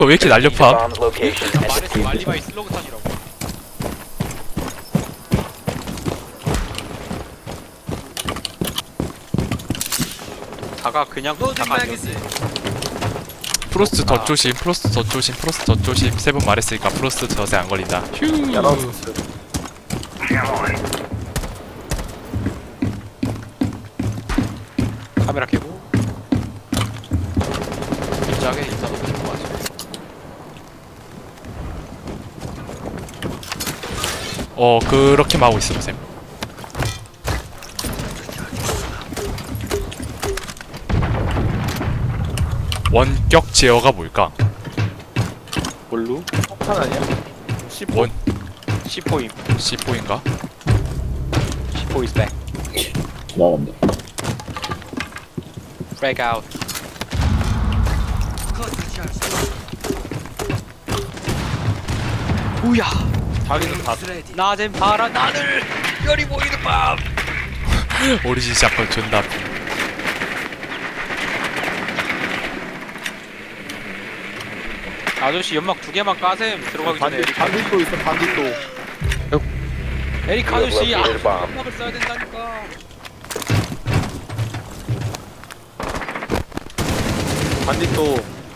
왜 이렇게 날렵함? 말했어 말리바이 슬로그탄이라고. 다가 그냥 다가 아니었어. 프로스트 더 조심, 프로스트 더 조심, 프로스트 더 조심. 3번 말했으니까 프로스트 덫에 안 걸린다. 휴. 카메라 켜고 긴장하게 인사 너무 좋은 거 같아. 그렇게만 하고 있어 쌤. 원격 제어가 뭘까? 뭘로? 폭탄 아니야? 원 C4임. C4인가? C4 is back. 나간다. Frag out. 우야. 자기는 다 낮엔 파란 하늘, 별이 보이는 밤. 오리진 샷건 존나. 아저씨 연막 2개만 까셈. 들어가기 전에 반딧도 있어 반딧도. 에릭 아저씨 연막을 써야 된다니까. 반딧도.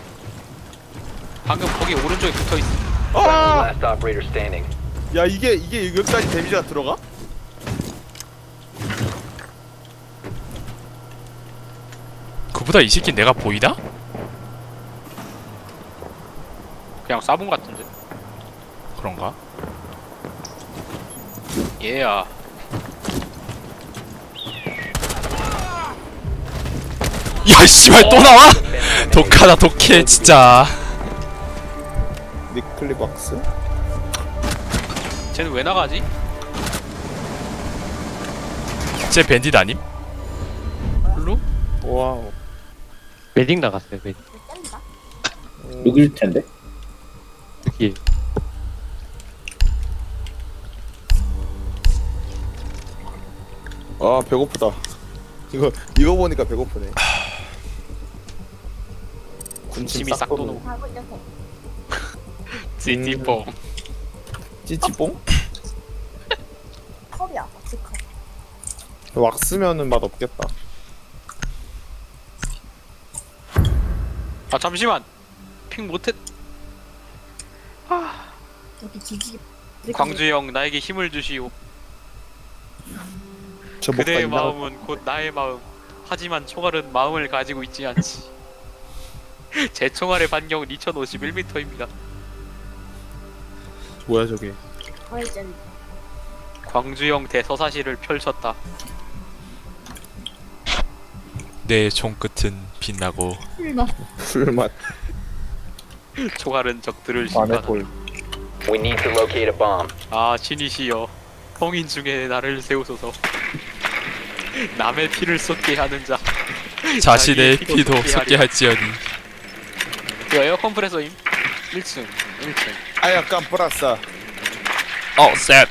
방금 거기 오른쪽에 붙어있어. 아! Last operator standing. 야 이게 여기까지 데미지가 들어가? 그보다 이 새끼 내가 보이나? 그냥 쏴본 같은데. 그런가? 얘야. 야 씨발 또 나와? 독하다 독해 진짜. 니클리 박스? 쟤는 왜 나가지? 쟤 밴딧 아님? 블루? 와우. 웨딩 나갔어요. 웨딩. 여길 텐데. 여기 아 배고프다. 이거 보니까 배고프네. 군침이 싹 도는 찌찌뽕. 찌찌뽕? 컵이야, 컵. 왁스면은 맛 없겠다. 아 잠시만. 핑 못했. 여기 뒤지. 광주 형 나에게 힘을 주시오. 저 목가 그대의 있나? 마음은 곧 나의 마음. 하지만 총알은 마음을 가지고 있지 않지. 제 총알의 반경은 2051m입니다. 뭐야 저게? 과일잼. 광주형 대서사시를 펼쳤다. 내 종끝은 빛나고. 풀맛. 총알은 적들을 안에 심판한다. 볼. We need to locate a bomb. 아 신이시여, 성인 중에 나를 세우소서. 남의 피를 쏟게 하는 자, 자신의 자기의 피도 쏟게 쏟게 하리라. 할지어니. 그 에어 컴프레서임. 1층 1층. 아 약간 플라싸. 셋.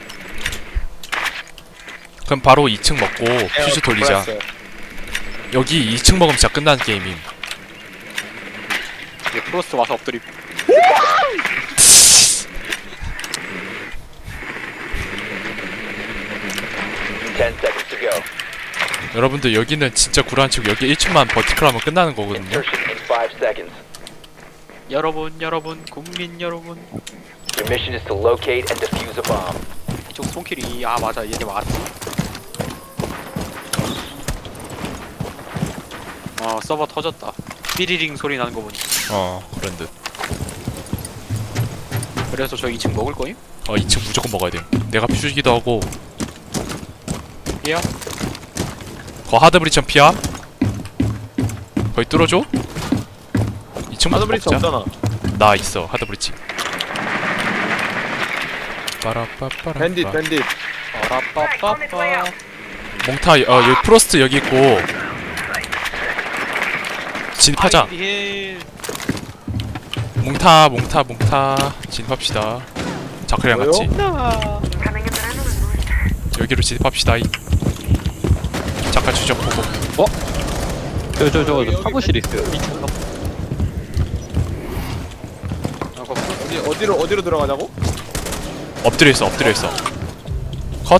그럼 바로 2층 먹고 퓨즈 돌리자. 여기 2층 먹으면 진짜 끝나는 게임임. 이제 프로스트 와서 엎드림. Ten seconds to go. 여러분들 여기는 진짜 구란치고 여기 1층만 버티컬하면 끝나는 거거든요. Insertion in 5 seconds. 여러분 국민 여러분, Your mission is to locate and defuse a bomb. 이쪽 손길이. 아 맞아, 얘네 왔지. 서버 터졌다. 삐리링 소리 나는 거 보니. 그런 듯. 그래서 저 2층 먹을 거임? 2층 무조건 먹어야 돼. 내가 퓨즈기도 하고. 얘야? 거 하드브리처럼 피야? 거의 뚫어줘? 2층 하드브리치 먹자. 없잖아. 나 있어 하드브리치. 빠라빠빠라. 밴딧. 빠라빠빠빠. 몽타 여기 프로스트 여기 있고 진입하자. 아이디 힐. 몽타 진입합시다. 자크랑 뭐요? 같이 여기로 진입합시다. 자크 추적 보고. 저 사무실 있어요. 어디로 들어가자고? 엎드려 있어 엎드려 있어. 컷.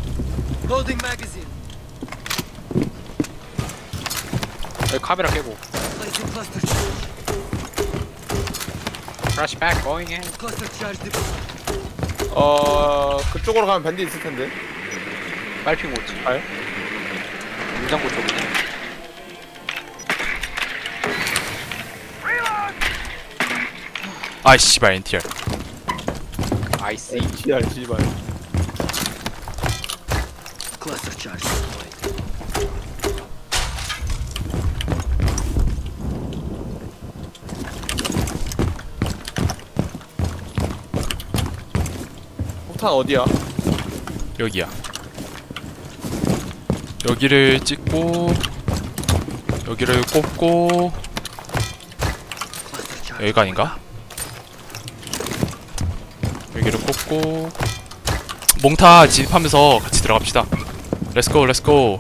여기 카메라 깨고. Flashback going in. 그쪽으로 가면 밴디 있을 텐데. 빨핑 못지. 알? 냉장고 쪽이네. 아이 씨발 NTR. 아이씨. 씨발 씨발. 폭탄 어디야? 여기야. 여기를 찍고 여기를 꼽고 여기가 아닌가? 여기를 꼽고 몽타 진입하면서 같이 들어갑시다. 렛츠고 렛츠고.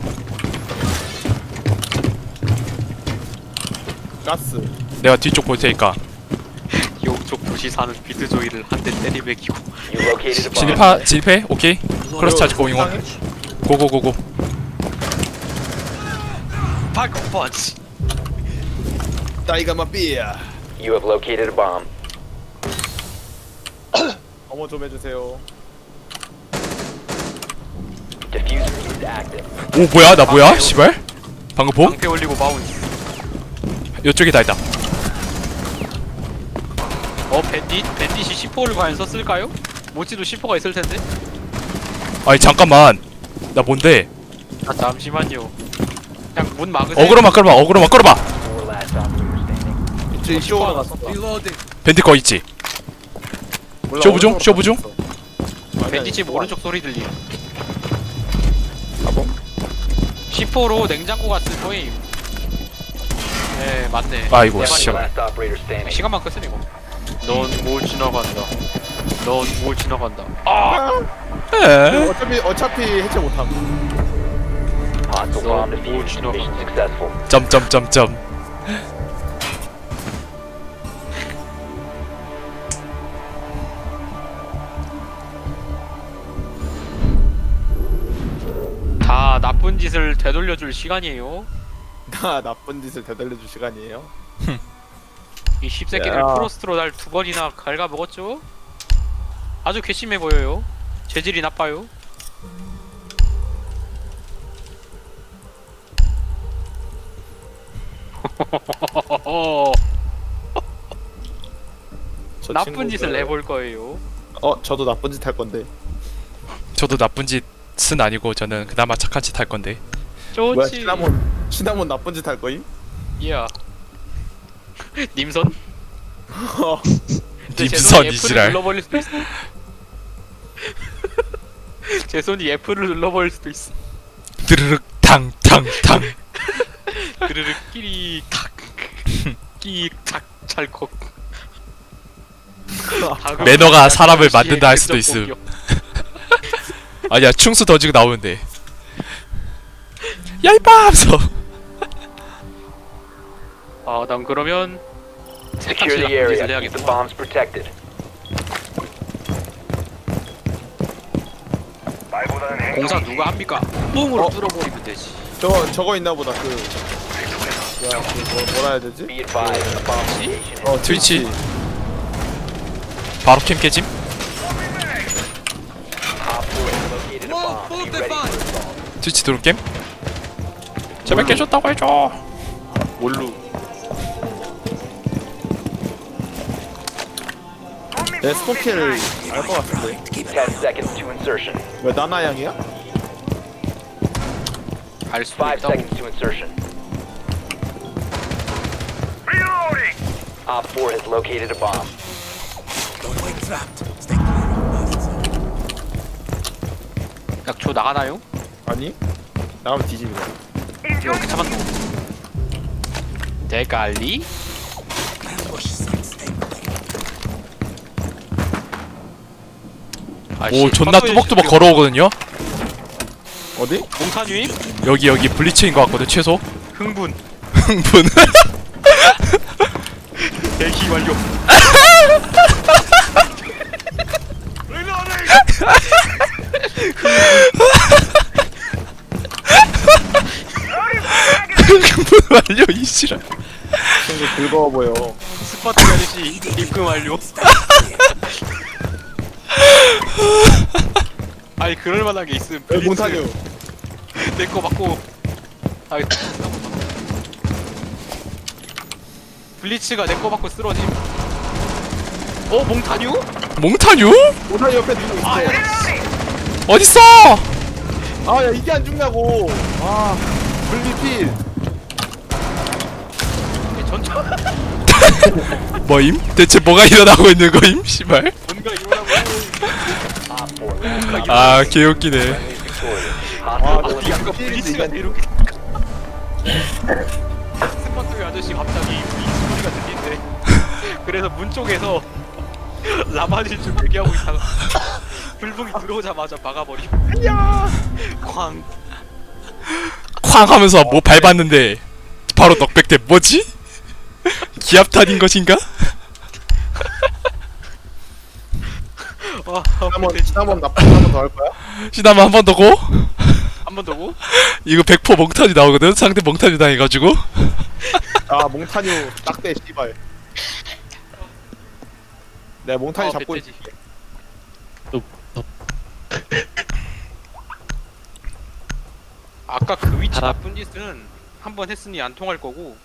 가스. 내가 뒤쪽 볼 테니까 이쪽 도시 사는 비트조이를 한 대 때리매기고. You located a bomb. 진입해? 오케이. 크로스 차지 고잉 온. 고고고고. 파이커 펀치. 따이가 마삐야. You have located a bomb. 어머 좀 해주세요. Diffuser is active. 오 뭐야 나 뭐야? 씨발. 방금 봄? 방패 올리고 바운스. 이쪽에 다 있다. 밴딧이 C4를 과연 썼을까요? 모찌도 C4가 있을 텐데. 아니 잠깐만. 나 뭔데? 아 잠시만요. 그냥 문 막으세요. 어그로만 끌어봐. 어그로만 끌어봐. 4 last operator standing. 이쪽으로 갔어. 밴드 거 있지? 쇼부 중? 쇼부 중? 밴딧집 오른쪽 소리 들림. 가봉. C4로 냉장고 갔을 거임. 네 맞네. 아이고 내 씨발. Last operator standing. 시간만 끄으이고 넌 뭘 지나간다. 넌 뭘 지나간다. 아! 에? 어차피 해체 못함. Hostile bomb defused. Mission successful. 점점점점. 다 나쁜 짓을 되돌려줄 시간이에요. 나 나쁜 짓을 되돌려줄 시간이에요. 이 씹새끼들 야. 프로스트로 날 2번이나 갉아먹었죠? 아주 괘씸해 보여요. 재질이 나빠요. 저 나쁜 친구들- 짓을 해볼 거예요. 저도 나쁜 짓 할 건데. 저도 나쁜 짓은 아니고 저는 그나마 착한 짓 할 건데. 뭐야 좋지. 시나몬 나쁜 짓 할 거임? 이야. 님선? 근데 제 님선 손이 F를 이지랄. 눌러버릴 수도 있어. 제 손이 F를 눌러버릴 수도 있어. 드르륵 탕탕탕. 그르륵 끼리 탁 끼탁 찰컥. 매너가 사람을 만든다 할 수도 있음. 아니야 충수 던지고 나오는데. 야 이빠 하면서. 아, 난 그러면 Secure the area. Keep the bombs protected. 공사 누가 합니까? 뽕으로 뚫어버리면 되지. 저거 있나 보다. 뭐라 해야 되지? Be advised, the bomb location is 트위치. 바로 캠 깨짐. Op 4 has located a bomb. Be ready for assault. 트위치 드론 게임. 제발 깨줬다고 해줘. 뭘로? 내 스포키를 알 것 같은데. 10 seconds to insertion. 왜 나나양이야? 알 수도 5 있다고. seconds to insertion. Op 4 has located a bomb. 약초 나가나요? 아니? 나가면 뒤집어. 이렇게 참았노. 대갈리? 오 존나 뚜벅뚜벅 걸어오거든요. 어디? 몽탄 유입? 여기 블리츠인 것 같거든 최소. 흥분. 흥분. 대기 완료. 싫어. 친구 즐거워 보여. 스파트 아저씨 입금 완료. 아니 그럴 만한 게 있음. 몽타뉴. 내거 맞고. 아 블리츠가 내 거 받고 쓰러짐. 몽타뉴? 몽타뉴? 몽타뉴 옆에 누구 있어? 어딨어? 아, 야, 이게 안 죽냐고. 아, 분리필. 전차 뭐임? 대체 뭐가 일어나고 있는 거임? 씨발. 뭔가 일어나고. Op 4 last 아 개웃기네. friendly victorious. 아, Hostile 나 아까 분리필인데 블리츠가 이게 이렇게. 스파트 아저씨 갑자기 이 소리가 들리는데. 그래서 문 쪽에서 라마질 좀 얘기하고 있다가 불붕이 들어오자마자 막아버림. 야! 쾅. 쾅 하면서 뭐 밟았는데 바로 넉백대. 뭐지? 기압탄인 것인가? 와, 지난번 나쁜 한번 더 할 거야? 시나마 한 번 더고. 한번 더고. 이거 100% 몽타뉴 나오거든. 상대 몽타뉴 당해가지고. 아, 몽타뉴 딱대 씨발. 내가 몽타뉴 잡고 멧돼지. 있을게. 아까 그 위치 달아. 나쁜 짓은 한 번 했으니 안 통할 거고.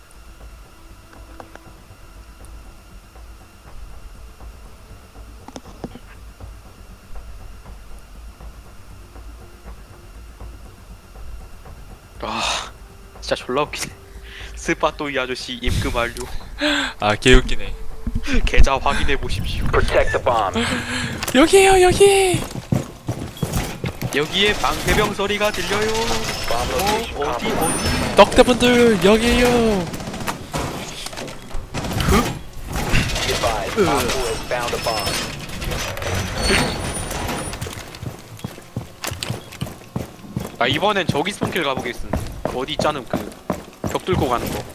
아, 진짜 졸라 웃기네. 스파또 이 아저씨 입금 완료. 아 개웃기네. 계좌 확인해 보십시오. Protect the bomb. 여기에요 여기. 여기에 방패병 소리가 들려요. Bomb location 어디 compromised. 어디? 떡대분들 여기에요. Be advised, Op 4 has found a bomb. 아 이번엔 저기 스폰킬 가보겠습니다. 어디 있자는 그벽 뚫고 가는 거.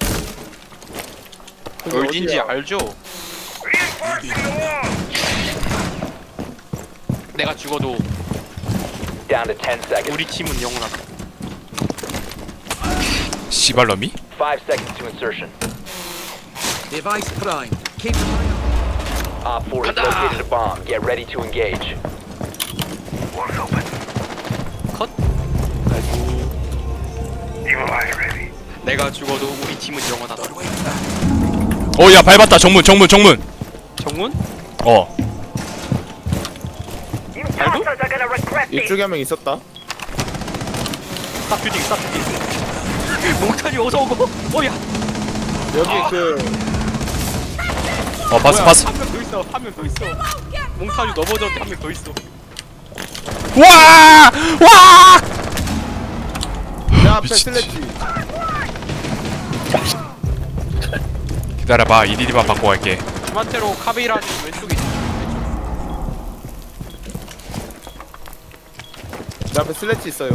그게 어딘지 어디야? 알죠? 내가 죽어도 Down to 10 seconds. 우리 팀은 영원하다. 씨발놈이? 5 seconds to insertion. Device prime. Keep Op 4 has located a bomb. Get ready to engage. 컷. 내가 죽어도 우리 팀은 영원하다. 어야 밟았다. 정문. 정문? 어. 알도? 이쪽에 한 명 있었다. 스탑 뷰딩. 몽타니 어서 오고. 어야. 여기 그 어 봤어. 한 명 더 있어. 몽타니 넘어졌는데 한 명 더 있어. 와! 와! 내 앞에 미친. 슬래치. 기다려봐. 이디디만 바꿔 갈게. 주마테로 카베이라는 왼쪽에 있어. 내 앞에 슬래치 있어요.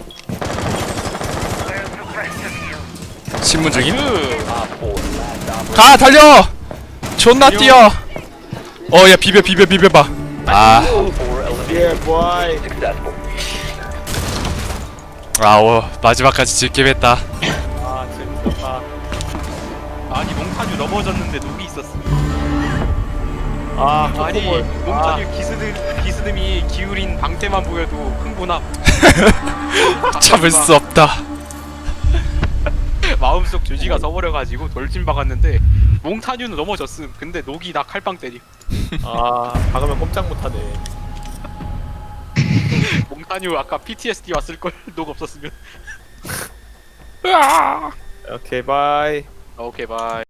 신문 중임? Op 4 last operator. 가 달려. 존나 뛰어. 야 비벼봐. 아. Op 4 eliminated. 예, 보아이. Successful. 마지막까지 즐겜했다. 아, 재밌었다. 아니 몽타뉴 넘어졌는데 녹이 있었어. 아, 아니 코코볼. 몽타뉴 기스듬이 기울인 방패만 보여도 흥분함. 참을 수 없다. 마음속 죄지가 서버려가지고 돌진 박았는데 몽타뉴는 넘어졌음. 근데 녹이 나 칼빵 때리. 아, 박으면 꼼짝 못하네. 몽타뉴 아까 PTSD 왔을 걸. 녹 없었으면. 오케이, 바이. 오케이 바이.